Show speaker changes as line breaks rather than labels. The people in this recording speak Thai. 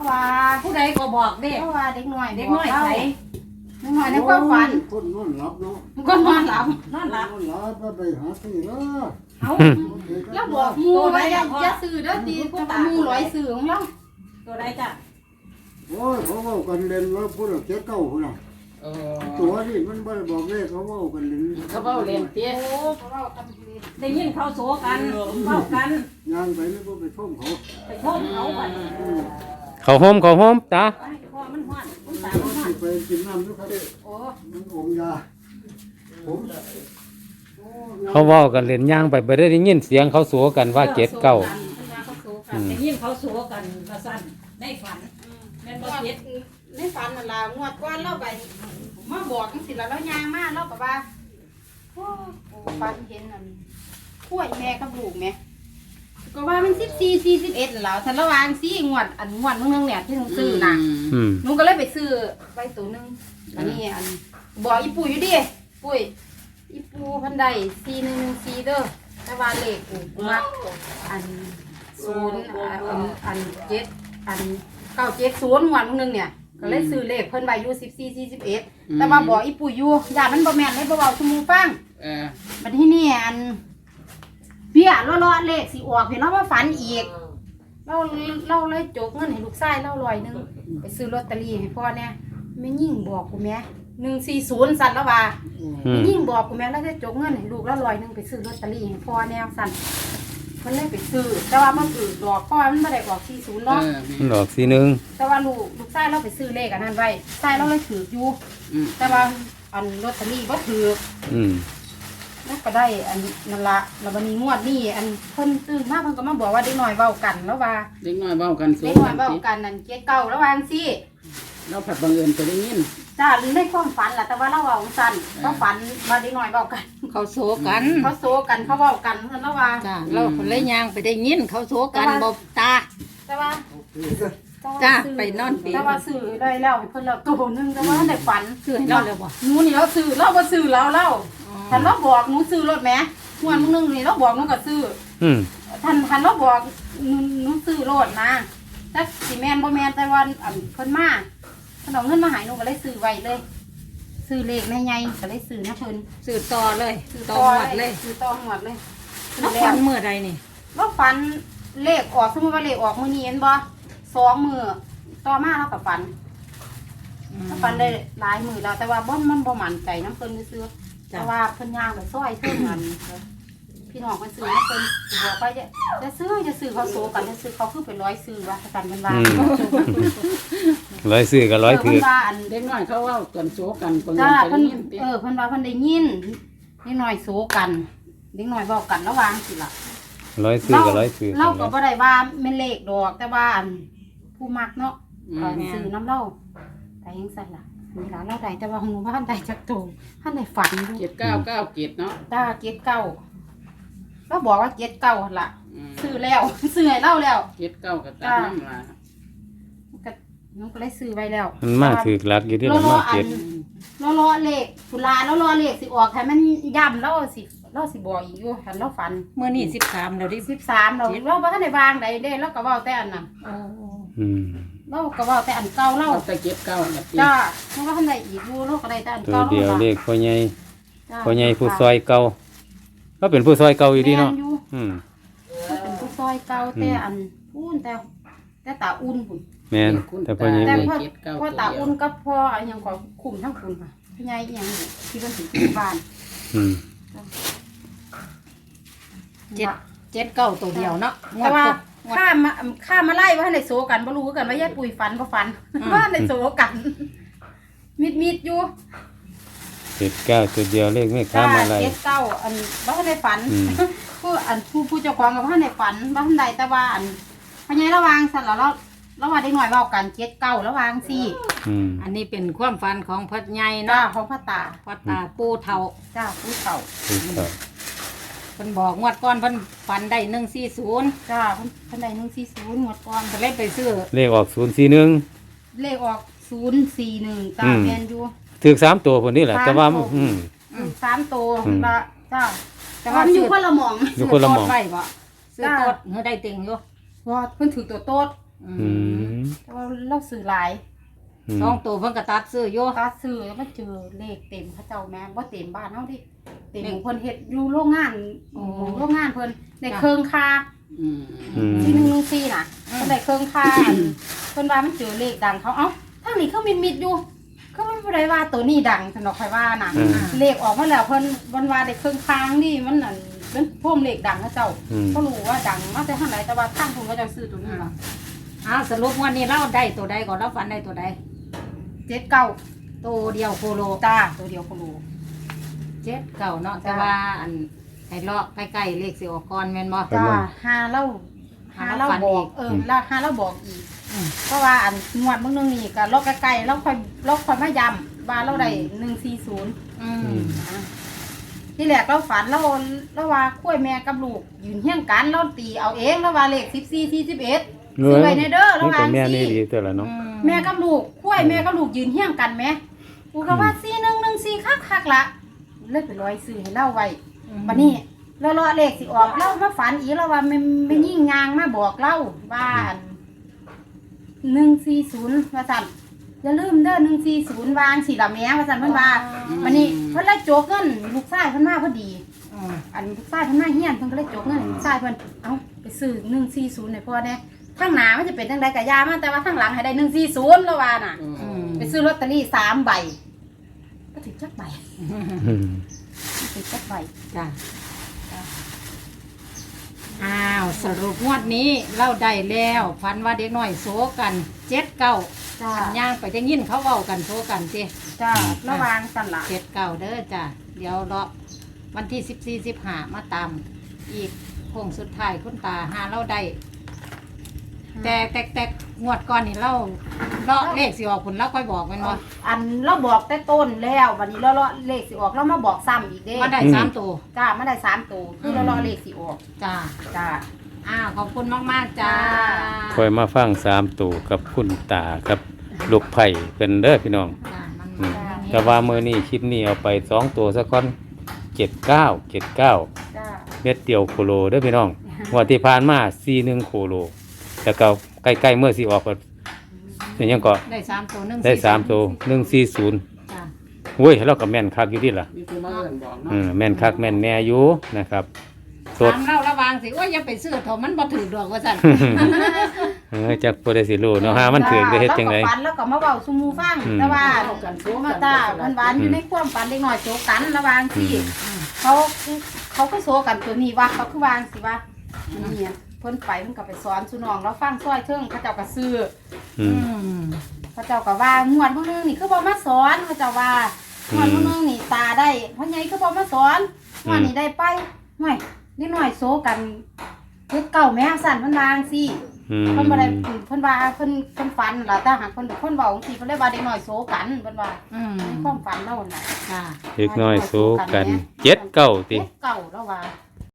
ว่า
ผู้ใดก็บอกเด้
เพราะว่าเด็กน้อย
เด็กน้อยใส่
เด็กน้อยในความฝัน
คนนอนหลับเนาะ
ก็นอนหลับ
นอนหลับ
นอนหลับก็ไปหาซื้อแล้ว
เอา
แล้วบอกหมูไว้อย่าซื้อเด้อตีผู้ตาหมูร้อยซื้อของเรา
ตัวใดจ้ะ
โอ้ยเขาเว้ากันเล่นว่าพูดแล้วเจ๊เก้าพุ่นน่ะตัวนี่มันบ่ได้บอกเลขเขาเว้ากันเล่น
เขาเว้าเล่นเตี้ย
โอ้เพราะเราทำดี
ได้ยินเขาโซกันเว้ากัน
ย่างไปนี่ก็ไปท่มเขา
ไปโทษเขาบัด
เขาโฮมตา
ไปพอมันฮ้อนคุณตา
เขา
มันฮ้อ
สิ
น
ไปกินน้ำด้วยครับ
โอ้
มันอมยาผมโอ้
เขาเว้ากันเล่นย่างไปบ่ได้ยินเสียงเขาสัวกันว่าเจ็ดเก้า
ได้ยินเขาโซกันว่าซั่นในฝันแม่นบ่เจ็ด
ในฝันนั่นล่ะงวดก่อนเราไปมาบอกจังซี่ล่ะเราย่างมาเราก็ว่าโอ้ฝันเห็นนั่นกล้วยแม่กับลูกแม่ก็ว่ามัน14 41นั่นล่ะฉันระวังสิงวดงวดนึงเนี่ยที่หนูซื้อน่ะ หนูก็เลยไปซื้อไว้ตัวหนึงอันนี้บอกอีปู่อยู่ดิปุ้ยอีปู่พันใด4114เด้อแต่ว่าเลขปู่มักอัน0อัน7อัน970วันนึงเนี่ยก็เลยซื้อเลขเพิ่นไว้อยู่14 41แต่ว่าบอกอีปู่อยู่ย่ามันบ่แม่นเลยบ่เว้าซุหมู่ฟังบัดที่นี่เบี้ยเลาะๆเลขสิออกเห็นเราว่าฝันอีกเราเลยจกเงินให้ลูกชายเรา100นึงไปซื้อลอตเตอรี่ให้พ่อเนี่ยแม่ยิ่งบอกกูแม่140สั่นแล้วว่าแม่ยิ่งบอกกูแม่แล้วจะจกเงินให้ลูกแล้ว100นึงไปซื้อลอตเตอรี่ให้พ่อแนวสั่นเพิ่นเลยไปซื้อแต่ว่ามันถือดอกพ่อมันบ่ได้ออก40เนาะ
มันออกสีหนึง
แต่ว่าลูกชายเราไปซื้อเลขอันนั้นไว้ชายเราเลยถืออยู่แต่ว่าอันลอตเตอรี่บ่ถือ
อืม
แล้วก็ได้อันนั่นละแล้ววันนี้งวดนี้อันเพิ่นตื่นมาเพิ่นก็มาบอกว่าเด็กน้อยเว้ากันแล้วว่า
เด็กน้อยเว้ากันสู
เด็
ง
กน้อยเว้ากันนั่นเกียรเก่าแล้วว่าจังซี่
เราผัดบังเอิญไปได้ยิน
จ้าหรือในความฝันล่ะแต่ว่าเราเว้าซั่นเราฝันว่าเด็กน้อยเว้ากัน
เขาโซกัน
เขาโซกันเขาเว้ากันเพิ่นแล้วว่า
จ้าเราเลยย่างไปได้ยินเขาโซกันบ่ตา
แต่ว่า
จ้าไปนอนปี
แต่ว่าซื้อได้แล้วให้เพิ่นแล้วตัวนึงแต่ว่าได้ฝัน
ซื้อให้เราเลยบ่
หนูนี่เราซื้อเราบ่ซื้อเราท่านเราบอกหนูซื้อรถแหมงวดนึงนี่เราบอกหนูก็ซื้อ
อืม
ท่านเราบอกหนูซื้อรถนะจักสิแม่นบ่แม่นแต่ว่าอันเพิ่นมาเพิ่นเอาเงินมาให้หนูก็เลยซื้อไว้เลย ซื้อเลขในใหญ่ก็เลยซื้อนะเพิ่น
ซื้อต่อเลยต่อหมดเลย
ซื้อต่อหมดเลย
แล้วฝันมื้อใดนี่
แล้วฝันเลขออกสมมุติว่าเลขออกมื้อนี้เห็นบ่2มื้อต่อมาเราก็ฝันเราฝันได้หลายมื้อแล้วแต่ว่ามันบ่มั่นใจนํเพิ่นซื้อแต่ว่าเพิ่นย่างไปซอยเพิ่นนั่นพี่น้องเพิ่นซื้อนะเพิ่นบอกว่าจะซื้อเขาโซกันจะซื้อเขาคือเป็นร้อยซื้อว่ากันเป็นว่า
ร้อยซื้อกับร้อยถื
เพิ่
อน
ว่าอัน
เด็กน้อยเขาเว้ากันสูกันบังเอิ
จ้า
ญไป
เพิ่น
ได้ยินเตี้ย
เพิ่นว่าเพิ่นได้ยินเด็กน้อยโซกันเด็กน้อยเว้ากันระหว่างสิล่ะ
ร้อยซื้อกับร้อยถือ
เราก็บ่ได้ว่าแม่นเลขดอกแต่ว่าอันผู้มักเนาะซื้อน้ำเล่าแต่ยังสั่นล่ะนี่ล่ะเราได้แต่ว่าของหนูบ่ทันได้จักโตท่านได้ฝันอยู่
เจ็ดเก้าเก้าเจ็ดเนาะ
ตาเก็ดเก่าเราบอกว่าเก็ดเก่าหั่นล่ะซื้อแล้ว ซื้อให้เราแล้ว
เจ็ดเก้ากับตาน้ำลา
ก็หนูก็เลยซื้อไว้แล้ว
มันมาถือหลักอยู่ที่
เรา
ละ
รอ
มา
อั
เก็
น
ด
เรารอเลขสุราเรารอเลขสิออกให้มันย่ำเราสิบอกอีกอยู่หันเราฝัน
มื้อนี้13แล้วดิ
13เราบ่ทันได้วางใดเด้เราก็เว้าแต่อันนั้น
อืม
เราก็เว้าแต่อันเก่าเรา
เอาแต่เจ็ดเก้ากับเตี้ย
จ้าเราก็ทันได้อีกอยู่เราก็ได้แต่อัน
ตัว
เก่า
เดียวเลขพ่อใหญ่
จ้า
พ่อใหญ่ผู้ซอยเก่าก็เป็นผู้ซอยเก่าอยู่ดีเนาะ
แม่อยู่
อืม
เราเป็นผู้ซอยเก่าแต่อันพูนแต่ตาอุ่นพุ่น
แม่นแต่พ่อใหญ่
แต่
นี่
พ่อตาอุ่นกับพ่ออันหยังก็คุมทั้งคุณค่ะพี่ใหญ่อีหยังนี่ที่เพิ่นสิอยู่บ้าน
อืม
เจ็ดเก้าตัวเดียวเนาะ
แต่ว่าข้ามาไล่ว่าในโซกันบ่รู้กันว่ายายปุ๋ยฝันบ่ฝันว่าในโซกันมิดอยู่
เจ็ดเก้าตัวเดียวเลขไม่ค้ามาอะไร
เจ็ดเก้าอันบ่ทันได้ฝัน
อืม
ผู้เจ้าของก็บ่ทันได้ฝันบ่ทันได้แต่ว่าอันพญายระวางสั่นแล้วเราว่าได้หน่อยเว้ากันเจ็ดเก้าระวางซี่
อืม
อันนี้เป็นความฝันของพ่อใหญ่
จ้า
เนาะ
ของพ่อตา
พ่อตาปู่เฒ่า
จ้าผู้เฒ่า
ถูกต้อง
เพิ่นบอกงวดก่อนเพิ่นฝันได้140
จ้าเพิ่นได้140หมดก่อน
ก็เลยไปซื้อ
เลขออก041
เลขออก041จ้าแม่นอยู่
ถือ3ตัวคนนี้แหละแต่ว่าอืม
3ตัว
อืม
ละจ้าแต่ว่ามันอยู่คนละหม่อง
อยู่คนละหม่อง
ซื้อโต๊ดไว้บ่ซื้อ
จ้า
โต๊ดเฮาได้เต็งอยู่
ว่าเพิ่นถือตัวโต๊ด
อืม
แต่ว่าเราซื้อหลาย
อืม
สองตัวเพิ่นก็ตัดซื้ออยู่
ถ้าซื้อแล้วมันเจอเลขเต็มเขาเจ้าแม่บ่เต็มบ้านเฮาดิเต็มของเพิ่นเฮ็ดอยู่โรงงานโรงงานเพิ่นได้เครื่องคา
อืม
อืม
ที่114น่ะเพิ่นได้เครื่องคาเพิ่นว่ามันเจอเลขดังเขาเอ้าทางนี้เขามิดอยู่ก็มันบ่ได้ว่าตัวนี้ดังสนอกใครว่าน่ะ เลขออกมาแล้วเพิ่นวันว่าได้เครื่องค้างนี่มันนั่นเป็นพ่วงเลขดังเขาเจ้า
อืม
เขารู้ว่าดังมาแต่ทางไหนแต่ว่าทางผมก็จะซื้อตัวนี้ล่ะ
สรุปวันนี้เราได้ตัวใดก่อนเราฝันได้ตัวใด
79
ตัวเดียวโคโล
จ้าตัวเดียวเขารู้
7 เก่าเนาะแต่ว่าอันไอ้เลาะใกล้ๆเลขสิออกก่อนแม่นบ่
จ้าหาเล่า
หาเราฝัน
บ
อี
อก
ก
แล้วหาเราบอกอีก
อืม
เพราะว่าอันงวดเบิ่งนึงนี่ก็เลาะใกล้ๆเราค่อยมาย้ำว่าเราได้140
อืม
ที่แรกเราฝันเราว่าคุ้ยแม่กับลูกยืนเฮี้ยงกันเราตีเอาเองแล้วว่าเลข14 41ซื้อไว้ในเด้อ
นี่
ระห
ก็
ว่าง
แม่นี่
สิ
ดีตัวละเนาะ
แม่กับลูกคุ้ยแม่กับลูกยืนเฮี้ยงกันแม่กูก็ว่า4114คักๆละเลยไปร้อยซื้อให้เล่าไว้บัดนี้เรารอเลขสิออกเรามาฝันอีกแล้วว่าไม่ยิ่งยางมาบอกเราว่า140ว่าซั่นอย่าลืมเด้อ140วางสิล่ะแม่ว่าซั่นเพิ่นว่าบัดนี้เพิ่นเลยโจกเงินลูกชายเพิ่นมาพอดี อันลูกชายเพิ่นมาเฮียนเพิ่นก็เลยจกเงินลูกชายเพิ่นเอาไปซื้อ140ให้พ่อแน่ข้างหน้ามันจะเป็นจังได๋ก็ยามาแต่ว่าข้างหลังให้ได้140แล้วว่าน่ะ ไปซื้อลอตเตอรี่3ใบก็ถึงจักใบ
อืม
ถึงจักใบ
จ้ะสรุปงวดนี้เราได้แล้วฝันว่าเด็กน้อยโซกัน7 เก้า
จ้า
ย่างไปจะยินเขาเว้ากันโซกันสิ
จ้าระวังสั่นล่ะ
7 เก้าเด้อจ้ะเดี๋ยวรอวันที่14 15มาตามอีกโค้งสุดท้ายคุณตาหาเราได้แต่งวดก่อนนี่เราเลขสิออกผลเราค่อยบอกแม่นบ่
อันเราบอกแต่ต้นแล้ววันนี้เราเลขสิออกเรามาบอกซ้ำอีกเด้
มาได้3ตัว
จ้ามาได้3ตัวคือเราเลขสิออก
จ้า
จ้า
ขอบคุณมากๆจ้า
คอยมาฟัง3ตัวกับคุณตากับลูกไผ่เป็นเด้อพี่น้อง
จ้ามัน
อืม
มา
แต่ว่ามื้อนี้คลิปนี้เอาไป2ตัวซะก่อน79
จ้า
เม็ดเดียวโคโลเด้อพี่น้องงวดที่ผ่านมา41โคโลแล้วก็ใกล้ๆเมื่อสิออกก็เป็นหยังก็
ได้3ตัว1
ได้3ตัว140
จ้า
โอ้ยเราก็แม่นคักอยู่ดิล่ะ
มีคนมาเอิ้นบอกเนาะ
แม่นคักแม่นแน่อยู่นะครับสด
ถามเราระวังสิว่าอย่าไปซื้อเถอะมันบ่ถือดอกว่าซั่น
จักบ่ได้สิรู้เนาะหามันถึกได้เฮ็ดจังได๋
แล้วก็ฝันแล้วก็มาเว้าสู่หมู่ฟัง
อืม
แต่ว่า
เอากันโซ
มา
กัน
ตามันหวานอยู่ในความฝันเด็กน้อยโจกกันระหว่างที่เขาก็โซกันตัวนี้ว่าเขาคือวางสิว่านี่เพิ่นไปมันก็ไปสอนสุน้องเราฟังซอยเทิงเขาเจ้าก็ซื้อ
อืม
เขาเจ้าก็ว่างวดพวกนึงนี่คือบ่มาสอนเขาเจ้าว่างวดพวกนึงนี่ตาได้พ่อใหญ่คือบ่มาสอนงวดนี้ได้ไปห่วยเด็กน้อยโซกันเฮ็ดเก่าแม่สั่นเพิ่นวาจั่งซี่ เพิ่นบ่ได้เพิ่นว่าเพิ่นฝันล่ะแต่หากเพิ่นเว้าจังซี่เพิ่นเลยว่าเด็กน้อยโซกันเพิ่นว่าในความฝันเราน่ะ
จ้า
เด็กน้อยสู้กัน7 9ติ
เฮ็ดเก่าแล้วว่า